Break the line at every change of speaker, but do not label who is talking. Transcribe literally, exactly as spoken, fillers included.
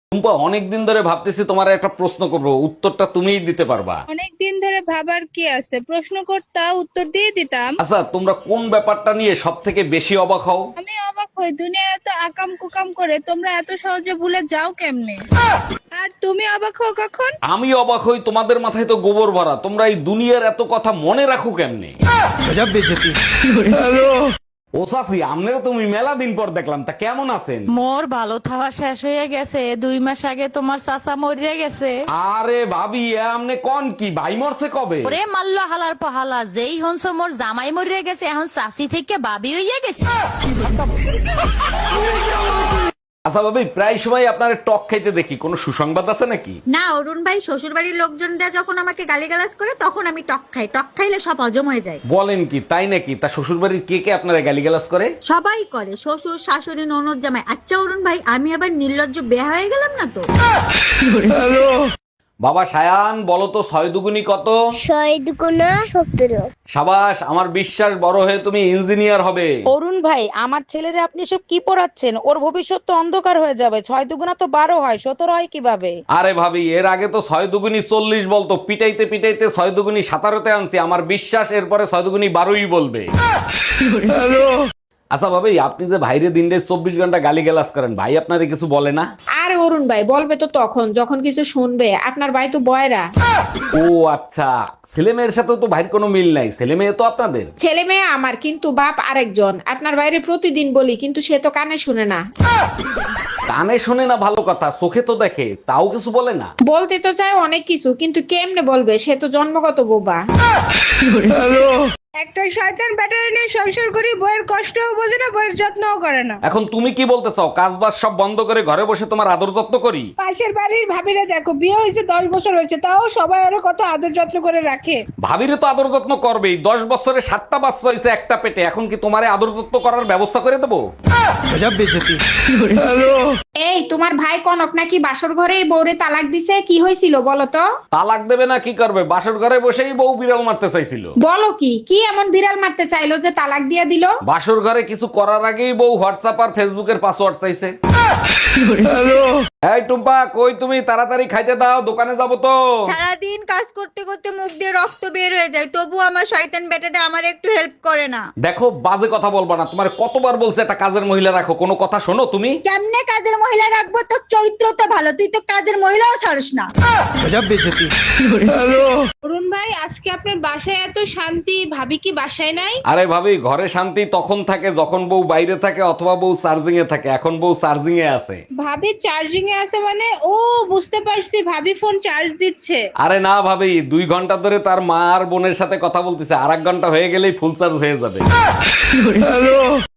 টুম্পা, অনেকদিন ধরে ভাবতেছি তোমার একটা প্রশ্ন করবো, উত্তরটা তুমিই দিতে পারবা।
অনেক দিন ধরে ভাবার কি আছে, প্রশ্ন করতা উত্তর দিয়ে দিতাম।
আচ্ছা, তোমরা কোন ব্যাপারটা নিয়ে সব থেকে বেশি অবাক হও?
আমি অবাক হই, দুনিয়ার এত আকাম কুকাম করে তোমরা এত সহজে ভুলে যাও কেমনে? আর তুমি অবাক হও কখন?
আমি অবাক হই, তোমাদের মাথায় তো গোবর ভরা, তোমরা এই দুনিয়ার এত কথা মনে রাখো কেমনে? ও সাফি, আমনেরও তুমি মেলা দিন পর দেখলাম, তা কেমন আছেন?
মোর ভালো থাওয়া শেষ হয়ে গেছে, দুই মাস আগে তোমার চাচা মরিয়া গেছে।
আরে ভাবি, এ আমনে কোন কি ভাই মরছে কবে?
ওরে মাল্লা হালার পাহালা, যেই হনস মোর জামাই মরিয়া গেছে, এখন চাষি থেকে বাবি হইয়া গেছে।
আচ্ছা ভাবি, প্রায় সময় আপনার টক খাইতে দেখি, কোনো সুসংবাদ আছে নাকি?
না অরুণ ভাই, শ্বশুর বাড়ির লোকজনরা যখন আমাকে গালিগালাজ করে তখন আমি টক খাই। টক খাইলে সব হজম হয়ে যায়।
বলেন কি, তাই নাকি? তা শ্বশুর বাড়ির কে কে আপনারা গালিগালাজ করে?
সবাই করে, শ্বশুর শাশুড়ি ননদ জামাই। আচ্ছা অরুণ ভাই, আমি আবার নির্লজ্জ বেয়া হয়ে গেলাম না তো?
বাবা সায়ান, বলো তো ছয় দুগুনি কত?
শহীদ গুণা সতেরো।
সাবাস, আমার বিশ্বাস বড় হয়ে তুমি ইঞ্জিনিয়ার হবে।
অরুণ ভাই, আমার ছেলেরে আপনি সব কি পড়াচ্ছেন? ওর ভবিষ্যৎ তো অন্ধকার হয়ে যাবে। ছয় দুগুণা তো বারো হয়, সতেরো হয় কিভাবে?
আরে ভাবি, এর আগে তো ছয় দুগুনি চল্লিশ বলতো, পিটাইতে পিটাইতে ছয় দুগুনি সাতারোতে আনছি। আমার বিশ্বাস এরপরে ছয় দুগুনি বারোই বলবে। আচ্ছা ভাবি, আপনি যে ভাইরে দিনটা চব্বিশ ঘন্টা গালি গালাজ করেন, ভাই আপনারে কিছু বলে না?
আর অরুণ ভাই বলবে তো তখন যখন কিছু শুনবে। আপনার ভাই তো বয়রা।
ও আচ্ছা, ছেলে মেয়ের সাথে তো ভাইয়ের কোনো মিল নাই, ছেলে মেয়ে তো আপনাদের।
ছেলে মেয়ে আমার, কিন্তু বাপ আরেকজন। আপনার বাইরে প্রতিদিন বলি, কিন্তু সে তো কানে শুনে না।
কানে শোনে না ভালো কথা, চোখে তো দেখে, তাও কিছু বলে না।
বলতে তো চায় অনেক কিছু, কিন্তু কেমনে বলবে? সে তো জন্মগত বোবা।
একটা শয়তান ব্যাটারি নিয়ে সংসার করি, বইয়ের কষ্টও বোঝে না, বইয়ের যত্নও করে না।
এখন তুমি কি বলতে চাও, কাজ বাজ সব বন্ধ করে ঘরে বসে তোমার আদর যত্ন করি?
পাশের বাড়ির ভাবিরা দেখো, বিয়ে হয়েছে দশ বছর হয়েছে, তাও সবাই ওরা কত আদর যত্ন করে রাখে।
ভাবিরে তো আদর যত্ন করবেই, দশ বছরে সাতটা বাচ্চা হয়েছে একটা পেটে, এখন কি তোমারে আদর যত্ন করার ব্যবস্থা করে দেবো?
এই তোমার ভাই কনক নাকি বাসর ঘরে বউরে তালাক দিছে, কি হয়েছিল বলো তো?
তালাক দেবে না কি করবে, বাসর ঘরে বসেই বউ বিড়াল মারতে চাইছিল।
বলো কি কি এমন বিড়াল মারতে চাইলো যে তালাক দিয়া দিল?
বাসর ঘরে কিছু করার আগেই বউ হোয়াটসঅ্যাপ আর ফেসবুকের পাসওয়ার্ড চাইছে। এই টুম্পা, কই তুমি? তাড়াতাড়ি খাইতে দাও, দোকানে যাবো তো।
সারাদিন কাজ করতে করতে মুখ দিয়ে রক্ত বের হয়ে যায়, তবু আমার শয়তান বেটাটা আমার একটু হেল্প করে না।
দেখো, বাজে কথা বলবা না, তোমার কতবার বলছে একটা কাজের মহিলা রাখো, কোনো কথা শোনো তুমি?
কেমনে কাজের মহিলা রাখবো? তোর চরিত্র তো ভালো, তুই তো কাজের মহিলাও ছাড়স না।
অরুণ ভাই, আজকে আপনার বাসায় এত শান্তি, ভাবি কি বাসায় নাই?
আরে ভাবি, ঘরে শান্তি তখন থাকে যখন বউ বাইরে থাকে অথবা বউ চার্জিং এ থাকে, এখন বউ চার্জিং এ আছে।
ভাবি চার্জিং এ আছে মানে? ও বুঝতে পারছি, ভাবি ফোন চার্জ দিচ্ছে।
আরে না ভাবি, দুই ঘন্টা ধরে তার মা আর বোনের সাথে কথা বলতেছে, আর এক ঘন্টা হয়ে গেলেই ফুল চার্জ হয়ে যাবে।